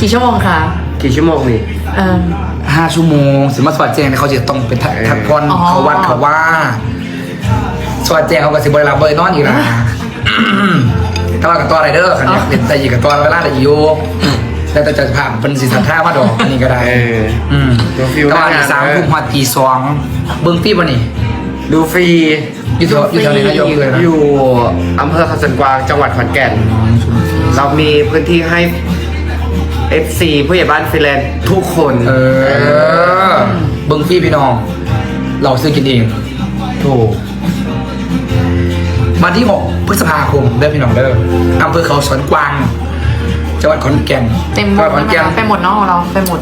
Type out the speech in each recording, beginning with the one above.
กี่ชั่วโมงคะกี่ชั่วโมงนี่ 5 ชั่วโมงสิมาสวัสดแจงเนี่ยเขาจะต้องเป็นทักพรเขาวัดเขาว่าสวัสดแจงเขาก็สิบริลาเบยนอนอีกนะถ้าเรากับตัวอะไรเด้อขันอยากเป็นแต่อีกกับตัวเวลาแต่อยู่แล้วแต่จะผ่านเป็นสีสันท่ามาดอกนี่ก็ได้ดูฟิลตอน3 ทุ่มหัวตี 2เบิ้งฟีบ่นี่ดูฟรีอยู่แถวไหนนะยกเลยนะอยู่อำเภอเขาสวนกวางจังหวัดขอนแก่นเรามีพื้นที่ให้ FC ผู้ใหญ่บ้านฟิแลนด์ทุกคนเบิ้งฟีพี่น้องเราซื้อกินเองถูกวันที่6 พฤษภาคมเด้อพี่น้องเด้ออำเภอเขาสวนกวางจังหวัดขอนแก่นเต็มหมดไปหมดเนาะเราไปหมด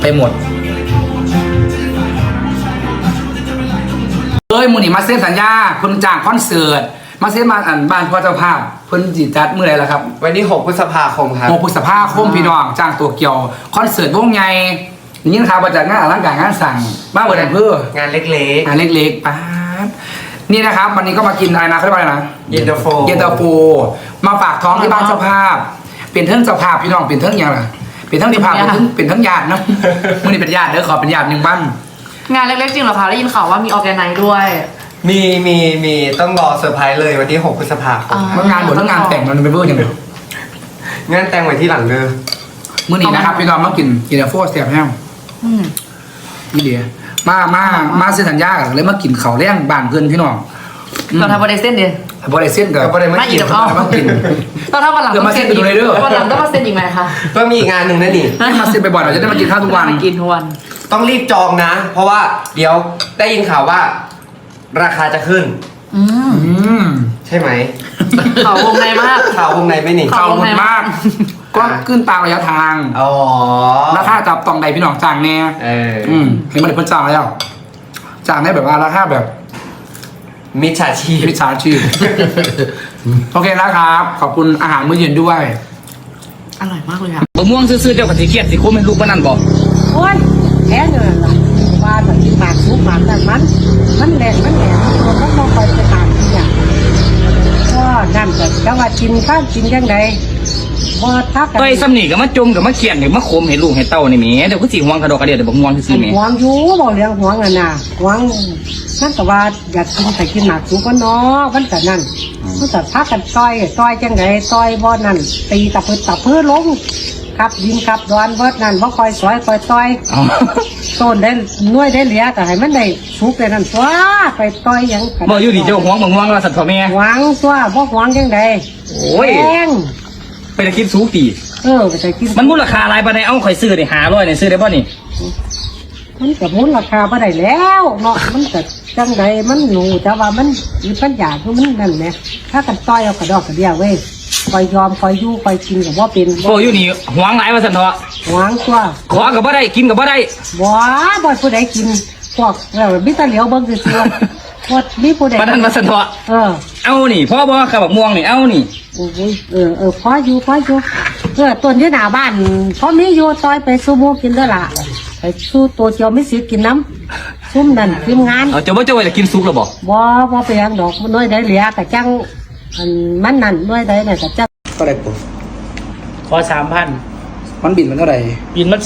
มือนี่มาเซ็นสัญญาเพิ่นจ้างคอนเสิร์ตมาเซ็นมาบ้านพ่อเจ้าภาพเพิ่นจิจัดเมื่อไรล่ะครับวันที่6 พฤษภาคมครับ 6 พฤษภาคมพี่น้องจ้างตัวเกี่ยวคอนเสิร์ตวงใหญ่อย่างนี้นะครับมาจากงานอลังการงานสั่งบ้านเบิร์ดอำเภองานเล็กๆป๊าบนี่นะครับวันนี้ก็มากินอะไรนะเขาเรียกว่าอะไรนะเย็นตาโฟมาฝากท้องที่บ้านเจ้าภาพเป็นเทิงเจ้าภาพพี่น้องเป็นเทิงยังไงเป็นเทิงเจ้าภาพเป็นเทิงญาตินะมื่อนี้เป็นญาติเด้อขอเป็นญาติ1บ้านงานเล็กๆจริงเหรอคะได้ยินข่าวว่ามีออร์แกไนซ์ด้วยมีต้องรอเซอร์ไพรส์เลยวันที่6 พฤษภาคมงานบททั้งงานแต่งมันเป็นเบอร์ยังไงงานแต่งไว้ที่หลังเด้อมื่อนี้นะครับพี่น้องมากินโฟสเตียบแห้งนี่เดียมาเส้นสัญญาเลยมากินเขาแรงบ้านเพื่อนพี่น้องเราทำบริเส้นเดียวบริเส้นกับไม่กินมากินเราทำวันหลังมาเส้นไปดูเลยเด้อวันหลังต้องมาเส้นอีกไหมคะก็มีอีกงานหนึ่งนะนี่มาเส้นไปบ่อยเราจะได้มากินข้าวทุกวันกินทุกวันต้องรีบจองนะ เพราะว่าเดี๋ยวได้ยินข่าวว่าราคาจะขึ้นใช่ไหมข่าววงในมากข่าววงในไม่หนิข่าววงในมากก็ขึ้นตามระยะทางราคาจับต้องใดพี่น้องจ้างแน่เห็นมันเพิ่นจ้างแล้วจ้างได้แบบว่าราคาแบบมิจฉาชีพโอเคนะครับขอบคุณอาหารมื้อเย็นด้วยอร่อยมากเลยค่ะบะม่วงซื้อๆเจ้ากับสีเกียดสีโค้งเป็นลูกบ้านนั่นบอกโอ้ยแค่เนี่ยล่ะว่าแบบที่หมากซุปหมากแต่มันแหลกมันมองคอยไปตามที่เนี่ยก็นั่นแต่จังว่ากินข้าวกินยังไงบ่ทักกันไปซ้ำนี่กับมาจมกับมาเขียนกับมาโคมให้ลูกให้เต้านี่แหมเดี๋ยวก็สิห่วงกระดอกกระเดียดเดี๋ยวบ่ห่วงซื่อแหมห่วงอยู่บ่เลี้ยงห่วงน่ะห่วงนั่นแต่ว่าอยากกินแต่กินหมากซุปก็เนาะมันก็นั่นมันก็ทักกันต่อยจังไดต่อยบ่นั่นตีตะพื้นลงครับดินครับดอนเบิดนั่นบ่คอยสอยคอยต่อยต้นได้น้วยได้เหลียก็ให้มันได้สุกได้นั่นตัวไปต่อยยังบ่อยู่นี่เจ้าห่วงว่าสัตว์พ่อแม่ห่วงตัวบ่ห่วงจังไดโอ้ยไปได้คิดสูงตีไปได้คิดมันมูลค่าหลายปานใดเอาข่อยซื้อได้500นี่ซื้อได้บ่นี่มันก็มูลค่าบ่ได้แล้วเนาะมันก็จังไดมันหนูแต่ว่ามันมีปัญญาคือมันนั่นแหละถ้ากันต่อยเอากระดอกกระเดียวเว้ยคอยยอมคอยอยู่คอยกินกับว่าเป็นโอ้อยู่นี่หวงหลายว่าสันเถาะหวงตัวขอกับบ่ได้กินกับบ่ได้บ่ผู้ใดกินพวกมิตรเหลียวเบิ่งซื่อๆพวกมีผู้ใดปานนั้นว่าสันเถาะเอานี่พ่อบ่ขับบักม่วงนี่เอานี่โอ้ยพออยู่ต้นที่หน้าบ้านพอมีอยู่ซอยไปซูโม่กินได้ละไปสู้ตัวเจียวไม่สิกินน้ำซุ่มนั่นทีมงานเจ้าบ่จะกินซุปหรอบ่ไปยังดอกน้อยได้เหลียแต่จังมันนั่นน้อยได้เนี่ยแต่จังก็ได้ปุ๊บขอ3,000 มันบินมันเท่าไหร่บินมัน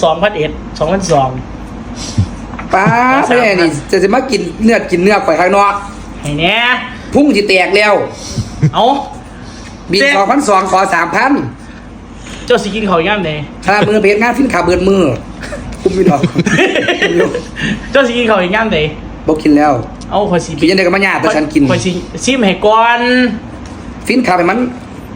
2,100 ป้าแม่นี่จะมากินเนื้อไปข้างนอกไอ้เนี่ยพุ่งจะแตกแล้วเอาบิน2,200ขอ3,000 เจ้าสิกินเขาย่ำไหนถ้ามือเพชรงานฟินขาเบิดมือคุ้มไม่ดอกเจ้าสิกินเขาย่ำไหนบอกกินแล้วเอาขอสิกินยังไงก็มาหยาดแต่ฉันกินขอสิซิมให้ก่อนฟินขาให้มัน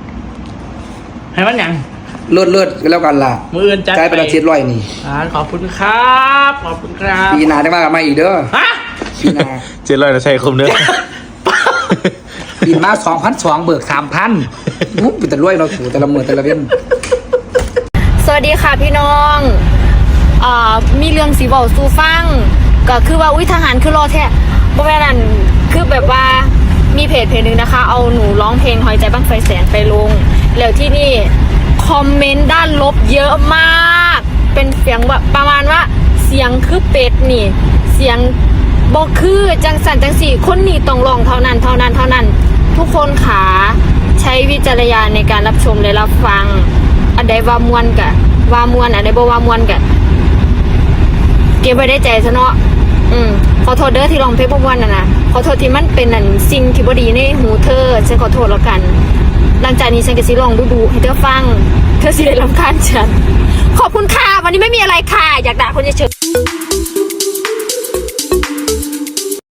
อย่างเลิศกันแล้วกันล่ะมืออื่นจัดไป700นี่ขอบคุณครับปีหน้าได้มาอีกเด้อฮะปีหน้า 700นะใช่คุ้มเด้อปีมา2,200เบิก 3,000มุ้งเป็นแต่รวยเราถูแต่ละมื้อแต่ละเว้นสวัสดีค่ะพี่น้องมีเรื่องสีบอกสู่ฟังก็คือว่าทหารคือรอแท้บ่แม่นนั่นคือแบบว่ามีเพจหนึ่งนะคะเอาหนูร้องเพลงหอยใจบ้างไฟแสนไปลงแล้วที่นี่คอมเมนต์ด้านลบเยอะมากเป็นเสียงแบบประมาณว่าเสียงคือเป็ดนี่เสียงบอกคือจังสันจังสี่คนนี่ต้องร้องเท่านั้นทุกคนขาใช้วิจารณญาณในการรับชมและรับฟังอันใดว่ามวนกะว่ามวนอะไรบ่ว่ามวนกะเก็บไว้ได้ใจซะเนาะขอโทษเด้อที่ร้องเพลงบ่ม่วนนะขอโทษที่มันเป็นนั่นสิ่งที่บ่ดีในหูเธอฉันขอโทษแล้วกัน หลังจากนี้ฉันก็สิร้องดูๆให้เธอฟังเธอสิได้รำคาญฉันขอบคุณค่ะวันนี้ไม่มีอะไรค่ะอยากด่าคนเฉยๆ